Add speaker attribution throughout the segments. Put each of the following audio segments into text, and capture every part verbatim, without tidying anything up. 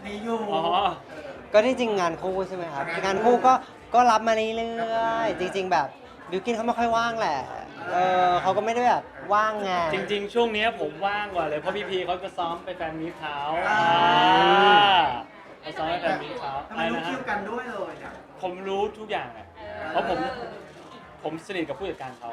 Speaker 1: มีอยู่
Speaker 2: อ๋อ
Speaker 3: ก็ที่จริงงานคู่ใช่ไหมครับงานคู่ก็ก็รับมาเรื่อยๆจริง ๆ แบบบิวกินเขาไม่ค่อยว่างแหละเออเขาก็ไม่ได้แบบว่างไง
Speaker 2: จริงๆช่วงนี้ผมว่างกว่าเลยเพราะพี่พีเขาจะซ้อมไปแฟนมีตเขาเขาซ้อมไปแฟนมีตเขา
Speaker 1: ทำไมรู้คิวกันด้วยเลยเนี่ย
Speaker 2: ผมรู้ทุกอย่างเลยเพราะผมผมสนิทกับผู้จัดการเขา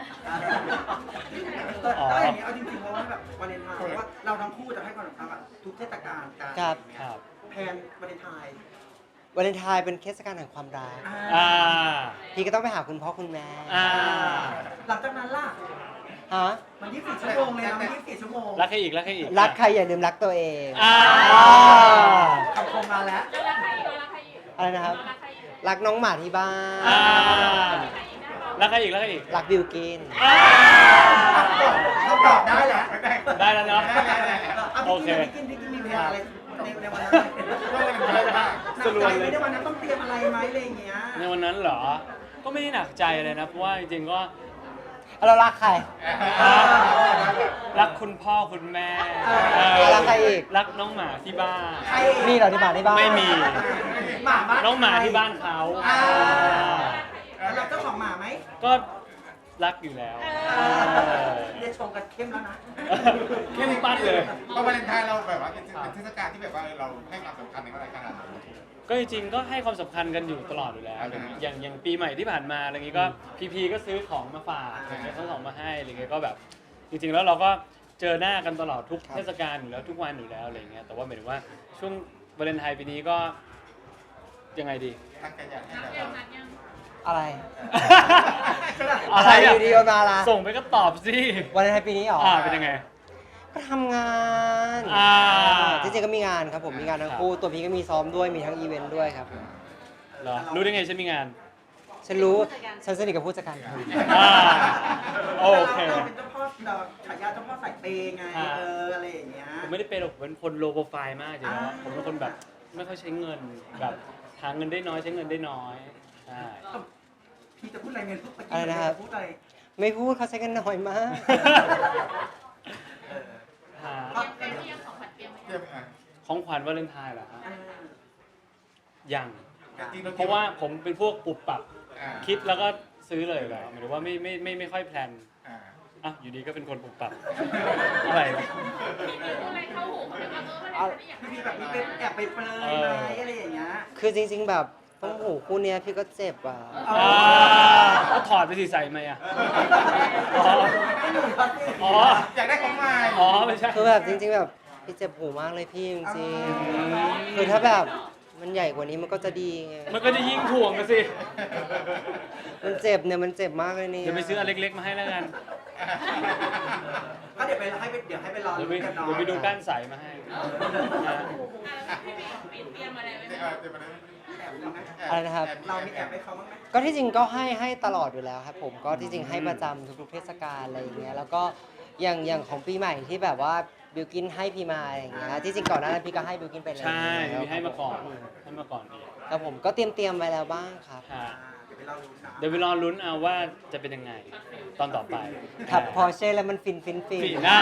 Speaker 1: แต่อย่างนี้เอาจริงๆเพราะว่าแบบวาเลนไทน์เพราะว่าเราทั้งคู่จะให้ความสำคัญกับทุกเทศกาลการ
Speaker 3: ครับ
Speaker 2: ครับ
Speaker 1: แพนวาเลนไทน์
Speaker 3: วาเลนไทน์เป็นเทศกาลแห่งความรัก
Speaker 2: อ่า
Speaker 3: พี่ก็ต้องไปหาคุณพ่อคุณแม่
Speaker 2: อ่า
Speaker 1: หลังจากนั้นล่ะ
Speaker 3: ฮะ
Speaker 1: มันยี่สิบสี่ชั่วโมงเลยนะมันยี่สิบสี่ชั่วโมง
Speaker 2: รักใครอีกรักใครอีก
Speaker 3: รักใครอย่าลืมรักตัวเอง
Speaker 2: อ่า
Speaker 1: คำคมมาแล้ว
Speaker 3: อะไรนะครับ รักน้องหมาที่บ้าน
Speaker 2: อ่ารักใครอีกรักใครอีก
Speaker 3: รักบิวกิน
Speaker 2: อ่า
Speaker 1: เขาตอบได้แหละ
Speaker 2: ได้แล้วเนาะ โอ
Speaker 1: โอ
Speaker 2: เค
Speaker 1: เคพี่กินพี่กินมีแพนอะไรในในวันนั้น
Speaker 2: สรุป
Speaker 1: หนักใจ
Speaker 2: เล
Speaker 1: ไหม
Speaker 2: ย
Speaker 1: ในวันนั้นต้องเตรียมอะไรไหมอะไรอย่างเงี้ย
Speaker 2: ในวันนั้นเหรอ ก็ไม่ได้หนักใจเลยนะ เพราะว่าจริงๆก็
Speaker 3: เรารักใคร
Speaker 2: รักคุณพ่อคุณแม่
Speaker 3: เออรักใครอีก
Speaker 2: รักน้องหมาที่บ้าน
Speaker 1: ใคร
Speaker 3: มีเหรอที่บ้านที่บ้าน
Speaker 2: ไม่มี
Speaker 1: หมาบ้าน
Speaker 2: น้องหมาที่บ้านเขา
Speaker 1: อ่าแล้วเราเจ้าของหมาไหม
Speaker 2: ก็รักอยู่แล้ว
Speaker 1: เรียกชงกันเข้มแล้วนะ
Speaker 2: เข้มปั้นเลย
Speaker 4: เพราะวาเลนไทน์เราแบบว่าเป็นเทศกาลที่แบบว่าเราให้ความสำคัญในอะไรขนาดนั้น
Speaker 2: ก็จริงๆก็ให้ความสำคัญกันอยู่ตลอดอยู่แล้วอะไรอย่างเงี้ยอย่างอย่างปีใหม่ที่ผ่านมาอะไรอย่างงี้ก็พีพีก็ซื้อของมาฝากอะไรเงี้ยทั้งสองมาให้อะไรเงี้ยก็แบบจริงๆแล้วเราก็เจอหน้ากันตลอดทุกเทศกาลอยู่แล้วทุกวันอยู่แล้วอะไรเงี้ยแต่ว่าหมายถึงว่าช่วงวาเลนไทน์ปีนี้ก็ยังไงดี
Speaker 4: ตั้งใจอยากให้แบบว่า
Speaker 3: อะไร
Speaker 2: อะไร
Speaker 3: อ
Speaker 2: อ่ะ
Speaker 3: ยู่ดีเอามาละ
Speaker 2: ส่งไปก็ตอบสิ
Speaker 3: วาเลนไทน์ปีนี้เหรอ
Speaker 2: อ่าเป็นยังไง
Speaker 3: ก็ทำงาน
Speaker 2: อ่า
Speaker 3: จริงๆก็มีงานครับผมมีงานทั้งคู่ตัวพี่ก็มีซ้อมด้วยมีทั้งอีเวนต์ด้วยครับ
Speaker 2: เหรอรู้ได้ไงฉันมีงาน
Speaker 3: ฉันรู้ฉันสนิทกับผู้จัดการคุณ
Speaker 2: อ่าโอเค
Speaker 1: เราเป็นเจ้าพ่อเราฉายาเจ้าพ่อสายเปย์ไง
Speaker 2: อ่า
Speaker 1: เอออะไรอย่างเงี้ย
Speaker 2: ผมไม่ได้เป็นหรอกผมเป็นคนโลโปรไฟล์มากจริงๆแล้ว
Speaker 1: อ่า
Speaker 2: ผมเป็นคนแบบไม่ค่อยใช้เงินแบบหาเงินได้น้อยใช้เงินได้น้อยใช่
Speaker 1: พี่จะพูดอะไรเงินพูดไป
Speaker 3: อะไรนะครับ
Speaker 1: พูดอะไร
Speaker 3: ไม่พูดเขาใช้กันน้อยมาก
Speaker 1: เออ
Speaker 2: หา
Speaker 1: ก็
Speaker 4: เตรียมอ่ะ
Speaker 2: ของขวัญวาเลนไทน์เหรอฮะ
Speaker 1: เออ
Speaker 2: ยัง
Speaker 4: แต่จริง
Speaker 2: เพราะว่าผมเป็นพวกปุบปับ
Speaker 4: อ่า
Speaker 2: คิดแล้วก็ซื้อเลยอยู่แล้วหมายถึงว่าไม่ไม่ไม่ไม่ค่อยแพลน
Speaker 4: อ่า
Speaker 2: อ่ะอยู่ดีก็เป็นคนปุบปับอะไรวะ
Speaker 1: พี่พี่แบบนี้เป็นแอบไปเปรยไหมอะไรอย่างเงี้ย
Speaker 3: คือจริง ๆ แบบต้องหูคู่เนี้ยพี่ก็เจ็บอ่ะ
Speaker 2: อ่าก็ถอดไปสิใส่ไหมอ่ะอ๋ออ๋อ
Speaker 4: อยากได้ของใหม่
Speaker 2: อ๋อไม่ใช่
Speaker 3: คือแบบจริง ๆ แบบพี่เจ็บหูมากเลยพี่จริงๆคือถ้าแบบมันใหญ่กว่านี้มันก็จะดีไง
Speaker 2: มันก็จะยิ่งถ่วงกันสิ
Speaker 3: มันเจ็บเนี่ยมันเจ็บมากเลยเนี่ย
Speaker 2: เดี๋ยวไปซื้ออันเล็กๆมาให้แล้วกัน
Speaker 1: ก็เดี๋ยวไปให้ไปเดี๋ยวให้ไปรอ
Speaker 2: เดี๋ยวไป
Speaker 1: กันเนาะ
Speaker 2: เดี๋ยวไปดูก้านใสมาให้นะ
Speaker 4: เตรียมอะไรไว้
Speaker 1: แอบดูไหม
Speaker 3: อะไรนะครับ
Speaker 1: เรามีแอบให้เขาบ้างไหม
Speaker 3: ก็ที่จริงก็ให้ให้ตลอดอยู่แล้วครับผมก็ที่จริงให้ประจำทุกๆเทศกาลอะไรอย่างเงี้ยแล้วก็อย่างอย่างของปีใหม่ที่แบบว่าบิวกินให้พี่มาอย่างเงี้ยที่จริงก่อนหน้านั้นพี่ก็ให้บิวกินไปแล้ว
Speaker 2: ใช่มีให้มาก่อนให้มาก่อนอีก
Speaker 3: ครับผมก็เตรียมเตรียมๆไว้แล้วบ้างครับ
Speaker 2: ค่ะ
Speaker 1: อ่าเดี๋ยวไปรอดูนะ
Speaker 2: เดี๋ยวไปรอลุ้นเอาว่าจะเป็นยังไง ตอนต่อไป
Speaker 3: ขับพอร์เช่แล้วมันฟินฟินฟิน
Speaker 2: ปีหน้า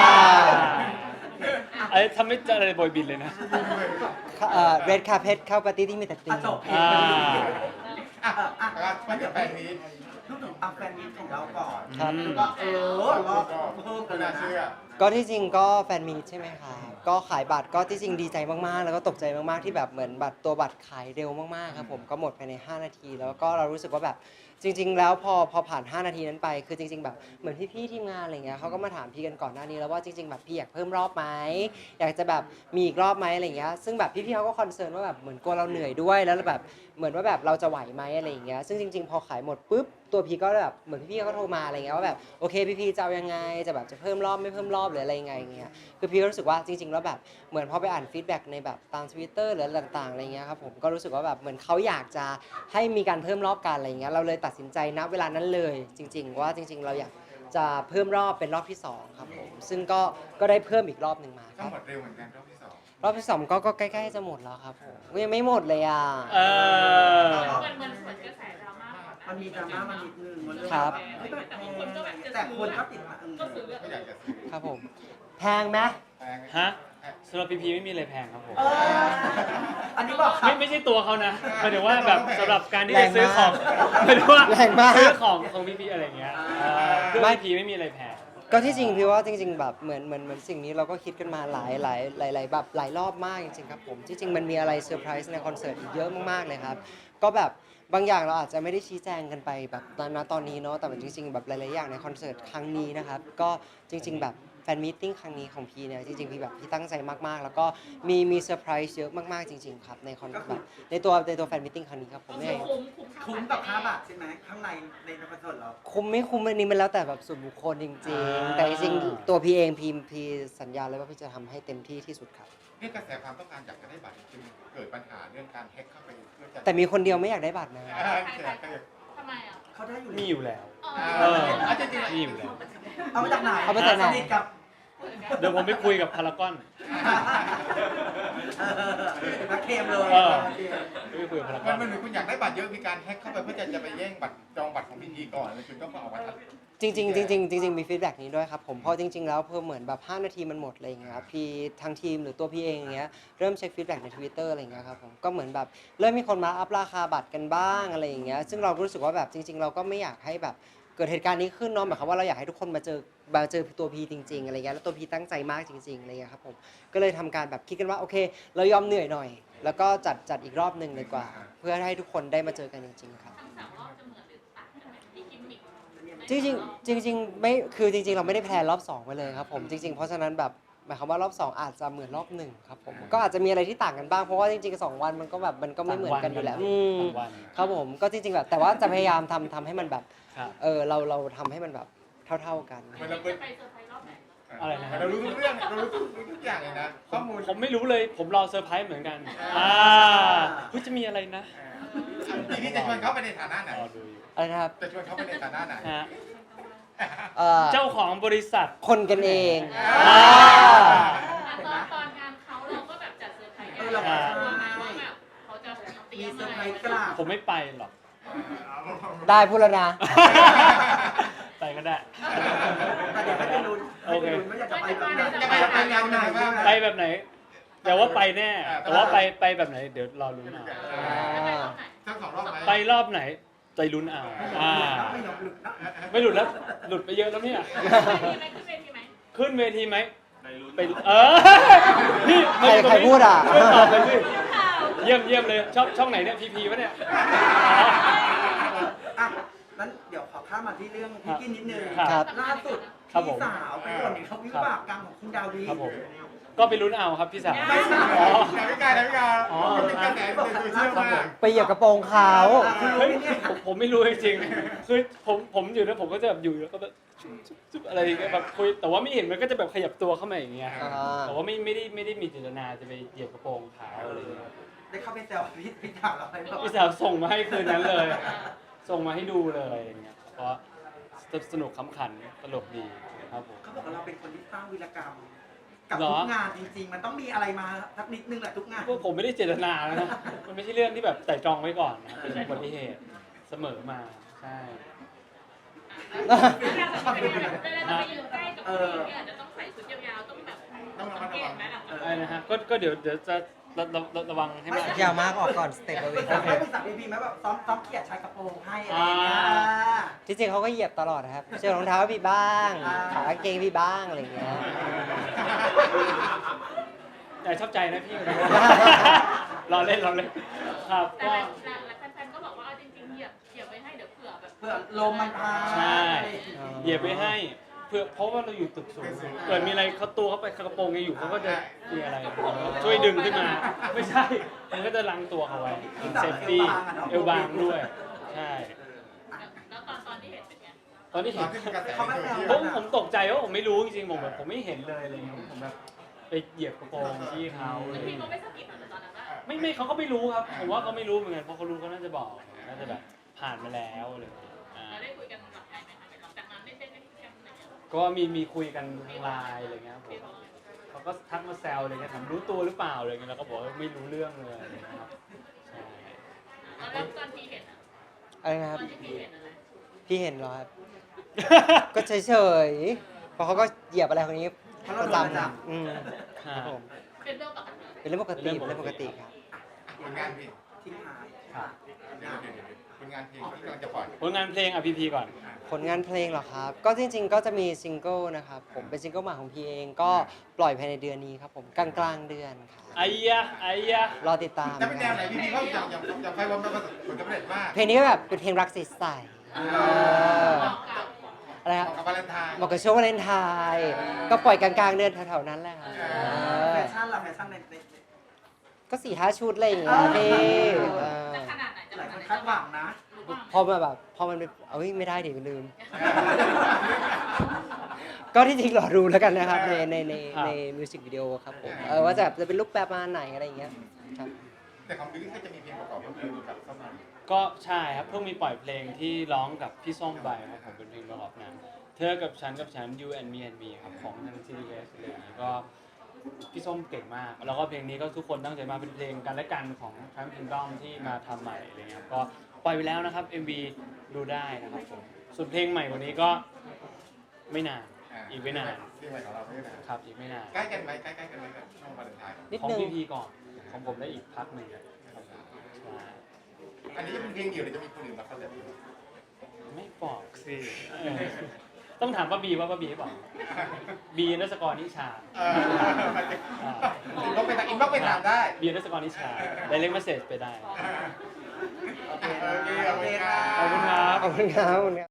Speaker 2: ไอ้ทำไม่เจออะไรบอยบินเลยนะ
Speaker 3: เอ่อเรดคาเพทเข้าปาร์ตี้ที่มีแต่ตี
Speaker 1: อ่ะจบ
Speaker 2: อ่า
Speaker 1: อ่ะอ่ะ
Speaker 4: แล้วมันจะแปลงนี้
Speaker 1: พูดถึงเอาแฟนมิตของเราก่อน
Speaker 3: ครับ
Speaker 2: อืม
Speaker 1: ก็เออรอบเพิ่มกันเล
Speaker 4: น่าย เชื่อ
Speaker 1: นะ
Speaker 3: ก็ที่จริงก็แฟนมีตใช่ไหมคะก็ขายบัตรก็ที่จริงดีใจมากๆ แล้วก็ตกใจมากๆที่แบบเหมือนบัตรตัวบัตรขายเร็วมากๆครับผมก็หมดภายในห้านาที แล้วก็เรารู้สึกว่าแบบจริง ๆ แล้วพอพอผ่านห้านาทีนั้นไปคือจริง ๆ แบบเหมือนพี่ๆทีมงานอะไรเงี้ยเขาก็มาถามพี่กันก่อนหน้านี้แล้วว่าจริงๆแบบพี่อยากเพิ่มรอบไหมอยากจะแบบมีอีกรอบไหมอะไรเงี้ยซึ่งแบบพี่ๆเขาก็คอนเซิร์นว่าแบบเหมือนกลัวเราเหนื่อยด้วยแล้วแบบเหมือนว่าแบบเราจะไหวไหมอะไรอย่างเงี้ยซึ่งจริง ๆ พอขายหมดปุ๊บตัวพี่ก็แบบเหมือนพี่ๆเขาโทรมาอะไรเงี้ยว่าแบบโอเคพี่ๆจะเอายังไงจะแบบจะเพิ่มรอบไม่เพิ่มรอบหรืออะไรยังไงเงี้ยคือพี่ก็รู้สึกว่าจริง ๆ แล้วแบบเหมือนพอไปอ่านฟีดแบ็กในแบบตาม Twitter หรืออะไรต่างๆอะไรเงี้ยครับผมก็รู้สึกว่าแบบเหมือนเขาอยากจะให้มีการเพิ่มรอบกันอะไรเงี้ยเราเลยตัดสินใจณเวลานั้นเลยจริง ๆ ว่าจริง ๆ เราอยากจะเพิ่มรอบเป็นรอบที่สองครับผมซึ่งก็ก็ได้เพิ่มอีกรอบหนึ่งมาค
Speaker 4: ต้อ
Speaker 3: รั
Speaker 4: ง
Speaker 3: บ
Speaker 4: หมดเร็วเหมือนกันรอบที่สอง
Speaker 3: รอบที่สองก็ก็ใกล้ๆจะหมดแล้วครับผมยังไม่หมดเลยอ่ะ
Speaker 2: เออ
Speaker 5: มันมันสวนกระแสดราม่าก่อนนะ
Speaker 1: มันมีดราม่ามันนิดนึงมันเรื่อง
Speaker 3: ครับ
Speaker 1: เฮ้ยแต่คนก็แบบแต่คนก็ติดมาเออ
Speaker 5: ก็ซื้อ
Speaker 4: ก็อยากจะซื้อ
Speaker 3: ครับผมแพงไหม
Speaker 4: แปลง
Speaker 2: ฮะสำหรับพีพีไม่มีอะไรแพงครับผม
Speaker 1: เออบอกครั
Speaker 2: ไม่
Speaker 1: บ
Speaker 2: ไม่ใช่ตัวเขานะหมายถึงว่าแบบสำหรับการที่
Speaker 3: แร
Speaker 2: จะ
Speaker 3: ง
Speaker 2: ซื้อ
Speaker 3: มาก
Speaker 2: ของหมายถึงว่า
Speaker 3: แรงมาก
Speaker 2: ซื้อของของพี่พีอะไรเงี้ยเออเครื่อง
Speaker 3: ไม่
Speaker 2: พี่พีไม่มีอะไรแพง
Speaker 3: ก็ที่จริงพี่ว่าจริง ๆ แบบเหมือนเหมือนเหมือนสิ่งนี้เราก็คิดกันมาหลายหลายหลายหลายแบบหลายรอบมากจริงๆครับผมที่จริงมันมีอะไรเซอร์ไพรส์ในคอนเสิร์ตอีกเยอะมากๆเลยครับก็แบบบางอย่างเราอาจจะไม่ได้ชี้แจงกันไปแบบณตอนนี้เนาะแต่ว่าจริงๆแบบหลายๆอย่างในคอนเสิร์ตครั้งนี้นะครับก็จริง ๆ แบบแฟนมีตติ้งครั้งนี้ของพี่เนี่ยจริงๆพี่แบบพี่ตั้งใจมากๆ แล้วก็มีมีเซอร์ไพรส์เยอะมากๆจริง ๆ ครับในคอนแบบในตัวในตัวแฟนมีตติ้งครั้งนี้ครับผมเนี่ย
Speaker 5: คุ้มคุ้ม
Speaker 1: คุ้มกับห้าบาทใช่ไหมข้างในในคอนเสิร์ตเรา
Speaker 3: คุ้มไม่คุ้มอันนี้มันแล้วแต่แบบส่วนบุคคลจริง
Speaker 2: อ่า
Speaker 3: ๆ แต่จริงๆตัวพี่เองพี่พี่สัญญาเลยว่าพี่จะทำให้เต็มที่ที่สุดครับ
Speaker 4: นี่กระแสความต้องการอยากจะได้บัตรจึงเกิดปัญหาเรื่องการแฮ็กเข้าไปเพื่อจะ
Speaker 3: แต่มีคนเดียวไม่อยากได้บัตรนะ
Speaker 4: อ่าใช่ใช่
Speaker 5: ทำไมอ่ะ
Speaker 1: เขาได้อยู่
Speaker 2: มีอยู่แล้ว
Speaker 5: เอ
Speaker 2: เอ
Speaker 5: อ
Speaker 2: อ
Speaker 4: อ่าจริงๆ
Speaker 2: มีอยู่แล้ว
Speaker 1: เอามาจากไหน
Speaker 3: เอามาจากไหน
Speaker 1: สนิทกับ
Speaker 2: เดี๋ยวผมไปคุยกับพารากอน
Speaker 1: เออนักเคมเลย
Speaker 2: เออ
Speaker 1: โอเค
Speaker 2: ไปคุยกับพาราก
Speaker 4: มั
Speaker 2: อน น
Speaker 4: มันเหมือนคุณอยากได้บัตรเยอะมีการแฮ็กเข้าไปเพื่อจะจะไปแย่งบัตรจองบัตรของพี่พีก่อนแล้วคุณก็มาเอาบัตร
Speaker 3: จริงๆจริงๆจริงๆมีฟีดแบ็กนี้ด้วยครับผมเพราะจริง ๆ แล้วเพิ่มเหมือนแบบห้านาทีมันหมดอะไรอย่างเงี้ยครับพี่ทางทีมหรือตัวพี่เองอย่างเงี้ยเริ่มเช็คฟีดแบ็กใน Twitter อะไรอย่างเงี้ยครับผมก็เหมือนแบบเริ่มมีคนมาอัพราคาบัตรกันบ้างอะไรอย่างเงี้ยซึ่งเรารู้สึกว่าแบบจริง ๆ เราก็ไม่อยากให้แบบเกิดเหตุการณ์นี้ขึ้นเนาะหมายความว่าเราอยากให้ทุกคนมาเจอมาเจอตัวพีจริงๆอะไรเงี้ยแล้วตัวพีตั้งใจมากจริงๆอะไรเงี้ยครับผมก็เลยทำการแบบคิดกันว่าโอเค เรายอมเหนื่อยหน่อย แล้วก็จัดจัดอีกรอบหนึ่งเลยกว่า เพื่อให้ทุกคนได้มาเจอกันจริงๆครับ
Speaker 5: ทั้งสามรอบจะเหมือนหรือต่างกันไหมที่กิมมิค
Speaker 3: จริงๆจริงๆไม่คือจริงๆ เราไม่ได้แพลนรอบสองไปเลยครับผมจริง ๆ เพราะฉะนั้นแบบหมายความว่ารอบสองอาจจะเหมือนรอบหนึ่งครับผมก็อาจจะมีอะไรที่ต่างกันบ้างเพราะว่าจริงๆสองวันมันก็แบบมันก็ไม่เหมือนกันอยู่แล้วอืม
Speaker 2: ต่างวัน
Speaker 3: ครับผมก็จริงๆแบบแต่ว่าจะพยายามทำทำให้มันแบบ
Speaker 2: ครับ
Speaker 3: เออเราเราทำให้มันแบบเท่าๆกัน
Speaker 4: มันเรา
Speaker 5: จะ
Speaker 4: เป็น
Speaker 5: ไปเซอร์ไพรส์รอบไหน
Speaker 2: อะไรนะฮะ
Speaker 4: เรารู้ทุกเรื่องเรารู้ทุกทุกอย่างเลยนะข้อมูล
Speaker 2: ผมไม่รู้เลยผมรอเซอร์ไพรส์เหมือนกันอ่าเฮ้ยจะมีอะไรนะ
Speaker 4: ทีนี้จะชวนเขาไปในฐานะไหน
Speaker 2: รอดูอยู่
Speaker 3: อะไรนะครับ
Speaker 4: จะชวนเขาไปในฐานะไหน
Speaker 2: ฮะ
Speaker 3: เอ่อ
Speaker 2: เจ้าของบริษัท
Speaker 3: คนกันเอง
Speaker 2: อ่า
Speaker 5: ตอนตอนงานเขาเราก็แบบจัดเซอร์ไพรส์
Speaker 1: เออเราก็
Speaker 5: กลัวไหม
Speaker 1: ใช่
Speaker 5: ว่าแบบเขาจะเตรี
Speaker 1: มี
Speaker 5: ยม
Speaker 1: เซอ
Speaker 5: อะ
Speaker 1: ร์
Speaker 5: ไร
Speaker 1: ไพรส์กราบ
Speaker 2: ผมไม่ไปหรอก
Speaker 3: ได้พูดแล้วนะ
Speaker 2: ไปก็ได้
Speaker 1: แต่เดี๋ยวให้ไปลุ้น
Speaker 2: โอเค
Speaker 1: ให้ไปลุ้นว่าอยากจะไปแบบไหน
Speaker 4: จะไปแบบไหน
Speaker 1: แนวไหนใช่ไหม
Speaker 2: ไปแบบไหนแต่ว่าไปแน่ แต่ว่าไปไปแบบไหน เดี๋ยวรอลุ้นเอา
Speaker 5: จะไปรอบไหน
Speaker 4: ทั้งสองรอบไหม
Speaker 2: ไปรอบไหนใจลุ้นเอาอ่า
Speaker 1: ไม่ยอมหลุดนะ
Speaker 2: ไม่หลุดแล้ว หลุดไปเยอะแล้วเนี่ย
Speaker 5: ขึ้นเวทีไหมขึ้นเวทีไหม
Speaker 2: ขึ้นเวทีไหมไปเออพี่
Speaker 3: ใครใครพูดอ่ะ
Speaker 2: ช่วยตอบเลยสิเยี่ยมเยี่ยมเลยช่องช่องไหนเนี่ยพีพีวะเนี่ยอ๋อ
Speaker 1: อ่ะนั้นเดี๋ยวขอข้ามมาที่เรื่องพี่กินนิดนึง
Speaker 2: ครับ
Speaker 1: ล่าสุด
Speaker 2: ครับผ
Speaker 1: พี่
Speaker 2: ม
Speaker 1: สาวไปบ่นถึงเขาวิบากกรรมของคุณดาวี
Speaker 2: ครับผมก็ไปลุ้นเอาครับพี่สาว
Speaker 1: ไม่ใช่
Speaker 2: อ๋อ
Speaker 4: ไหนไม่กล้าไหนไม่กล้า
Speaker 2: อ๋อ
Speaker 4: เป็นกระแสในโซเชียลมาก
Speaker 3: ไปเหยียบกระโปรงเขา
Speaker 2: เฮ้ยผมผมไม่รู้จริงๆคือผมผมอยู่นะผมก็จะแบบอยู่แล้วก็แบบจุ๊บจุ๊บจุ๊บอะไรอย่างเงี้ยแบบคุยแต่ว่าไม่เห็นมันก็จะแบบขยับตัวเข้ามาอย่างเงี้ย
Speaker 3: อ่า
Speaker 2: แต่ว่าไม่ไม่ได้ไม่ได้มีเจตนาจะไปเหยียบกระโปรงเขาอะไรอย่างเงี้ย
Speaker 1: ได้เข้าไปแซวพี่พี่สาวเราไปบอก
Speaker 2: พี่สาวส่งมาให้คืนนั้นเลย ส่งมาให้ดูเลยอย่างเงี้ยเพราะสนุกขำขันตลกดีครับผม
Speaker 1: เขาบอกว่าเราเป็นคนที่สร้างวีรกรรม กับ
Speaker 2: เหรอ
Speaker 1: ทุกงานจริงๆ มันต้องมีอะไรมาสักนิดนึงแหละทุกงาน
Speaker 2: พวกผมไม่ได้เจตนานะ มันไม่ใช่เรื่องที่แบบไต่ตรองไว้ก่อนนะเป็นอุบัติเหตุเสมอมาใช่
Speaker 5: เวลาเราไปยืนใกล้กับพี่เนี่ยจะต้องใส่ชุดยาวๆต้องแบบสังเกตไหมล่ะ
Speaker 2: อะไรนะฮะก็ก็เดี๋ยวเดี๋ยวจะระระระระวังให้มาก
Speaker 3: ยาวมากออกก่อนสเต็ปเอาไว้
Speaker 1: ปรึกษาไม่ปรึกษาพี่พีไหมแบบซ้อมซ้อมเขียดชายกระโปรงให้อะไรอย่างเงี้ย
Speaker 2: อ่า
Speaker 3: ที่จริงเขาก็เหยียบตลอดนะครับเชือกรองเท้าพี่บ้าง
Speaker 1: อ่า
Speaker 3: ขากางเกงพี่บ้างอะไรอย่างเงี้ย
Speaker 2: แต่ชอบใจนะพี่ รอเล่นรอเล่นครับ
Speaker 5: แต่
Speaker 2: ก็
Speaker 5: แฟนๆก็บอกว่าเอาจริงๆเหยียบเหยียบไว้ให้เดี๋ยวเผื่อแบบ
Speaker 1: เพื่อลมมันพา
Speaker 2: ใช่เหยียบไปให้เพื่อเพราะว่าเราอยู่ตึกสูงเกิดมีอะไรเขาตัวเขาไปกระโปรงยังอยู่เขาก็จะมีอะไรช่วยดึงขึ้นมา ไม่ใช่มันก็จะลังตัวเขาไว้เซฟตี้เอวบางด้วยใช่
Speaker 5: แล้วตอนตอนที่เห็นเป็นไง
Speaker 2: ตอนที่
Speaker 4: ต
Speaker 2: เห็
Speaker 4: อน
Speaker 2: น
Speaker 4: ที่มีกระแส
Speaker 1: เขา
Speaker 4: ใน
Speaker 1: ไม่
Speaker 4: โซ
Speaker 1: แซว
Speaker 4: เชียล
Speaker 2: ผมผมตกใจว่าผมไม่รู้จริงๆผมแบบผมไม่เห็นเลยอะไรเงี้ยผมแบบไปเหยียบกระโปรงที่เขาอะไร
Speaker 5: พี่
Speaker 2: เงี้ย
Speaker 5: เขาไม่สะกิดเหรอตอนนั้นว่า
Speaker 2: ไม่ไม่เขาก็ไม่รู้ครับผมว่าเขาไม่รู้เหมือนกันเพราะเขารู้เขาน่าจะบอกน่าจะแบบผ่านมาแล้วอะไรอย่างเงี้ยอ่า
Speaker 5: เราได้คุยกันหลังไงไหมคะหลังจากนั้นได้ได้ได้คุยกันอะไรอย่างเงี้ย
Speaker 2: ก็มีมีคุยกันทางไลน์อะไรเงี้ยครับผมเขาก็ทักมาแซวอะไรเงี้ยถามรู้ตัวหรือเปล่าอะไรเงี้ยแล้วก็บอกว่าไม่รู้เรื่องเลยอะไรเงี้ยครับใช่
Speaker 5: แล้วตอนที่เห็นอะ
Speaker 3: อะไรนะค
Speaker 5: ต
Speaker 3: รับ
Speaker 5: อนที่พี่เห็นอะไร
Speaker 3: พี่เห็นเหรอครับ ก็เฉยๆเพราะเขาก็เหยียบอะไรคนนี้ประจำอืมครับผม
Speaker 5: เป็นเรื่องปกติ
Speaker 3: เป็นเรื่องปกติเป็นเรื่องปกติครับ
Speaker 1: ถ
Speaker 4: ผลงานเพลง
Speaker 1: ทิ้งท้าย
Speaker 2: ครับ
Speaker 4: เดี๋ยวเดี๋ยวเดี๋ยวผลงานเพลงที่กำลังจะปล่อย
Speaker 2: ผลงานเพลงอ่ะพีพีก่อน
Speaker 3: ผลงานเพลงเหรอครับ ก็จริง ๆ ก็จะมีซิงเกิลนะครับผมเป็นซิงเกิลใหม่ของพีเองก็ปล่อยภายในเดือนนี้ครับผมกลางกลางๆเดือนครับ
Speaker 2: ไอ้ยะไอ้ยะ
Speaker 3: รอติดตาม
Speaker 4: จะเป็นแนวไหนพี่พี่เขาอย่างอย่างอย่างไฟวอมประสบผลสำเร็จมาก
Speaker 3: เพลงนี้ก็แบบเป็นเพลงรักใสๆเอออะไร
Speaker 4: เห
Speaker 3: ครับ
Speaker 4: มาะกับวาเลนไทน์
Speaker 3: เหมาะกับช่วงวาเลนไทน์ก็ปล่อยกลางๆเดือนแถวๆนั้นแหละครับเอ
Speaker 1: แฟ
Speaker 3: อ
Speaker 1: ชั่นล่ะแฟชั่นในใน
Speaker 3: ก็สี่ห้าชุดอะไรอย่างเงี้ยพี่เออ
Speaker 5: จะขนาดไหนจะ
Speaker 1: หลาย
Speaker 5: ข
Speaker 1: คน
Speaker 5: นาดไหน
Speaker 1: คาดหวังนะ
Speaker 3: พอมาแบบพอมันเป็นเอ้ยไม่ได้ดิลืม ก็ที่จริงรอดูแล้วกันนะครับในในใน
Speaker 2: ครับ
Speaker 3: ในมิวสิกวิดีโอครับผมเออว่าจะจะเป็นรูปแบบประมาณไหนอะไรอย่างเงี้ยครับ
Speaker 4: แต่ของบิลลี่ก็จะมีเพลงประกอบเพิ่มกับเข้ามา
Speaker 2: ก็ใช่ครับเพิ่งมีปล่อยเพลงที่ร้องกับพี่ส้มไปครับผมเป็นเพลงประกอบหนังเธอกับฉันกับฉัน you and me and me ครับของทาง ซี ดี เอส อะไรอย่างนี้ก็พี่ส้มเก่งมาก แล้วก็เพลงนี้ก็ทุกคนตั้งใจมาเป็นเพลงกันและกันของ Trump Kingdom ที่มาทำใหม่อะไรเงี้ยก็ปล่อยไปแล้วนะครับ เอ็ม วี ดูได้นะครับผมส่วนเพลงใหม่กวันนี้ก็ไม่นานอีกไม่นาน
Speaker 4: เพลงใหม่ของเราไม่นาน
Speaker 2: ครับอีกไม่นาน
Speaker 4: ใกล้กันไหมใกล้ๆกันไหมกับช่วงวาเลนไทน์
Speaker 3: นิด
Speaker 2: ของ
Speaker 3: นึง
Speaker 2: พีพีก่อนของผมได้อีกพักหนึ่งครับใช่
Speaker 4: อันนี้จะเป็นเพลงเดียวหรือจะมีคนอื่นมาคอลแลบ
Speaker 2: ไม่บอกสิเออต้องถามป้าบีว่าป้าบีบอกบีนัสกรนิชา
Speaker 4: เอออินบ็อกซ์ไปทางอินบ็อกซ์ไปถามได้
Speaker 2: บีนัสกรนิชาได้เล็กเมสเซจไปได้
Speaker 4: โอเคโอเคขอบคุณครับ
Speaker 2: ขอบคุณครับ
Speaker 3: ขอบคุณครับขอบคุณครับ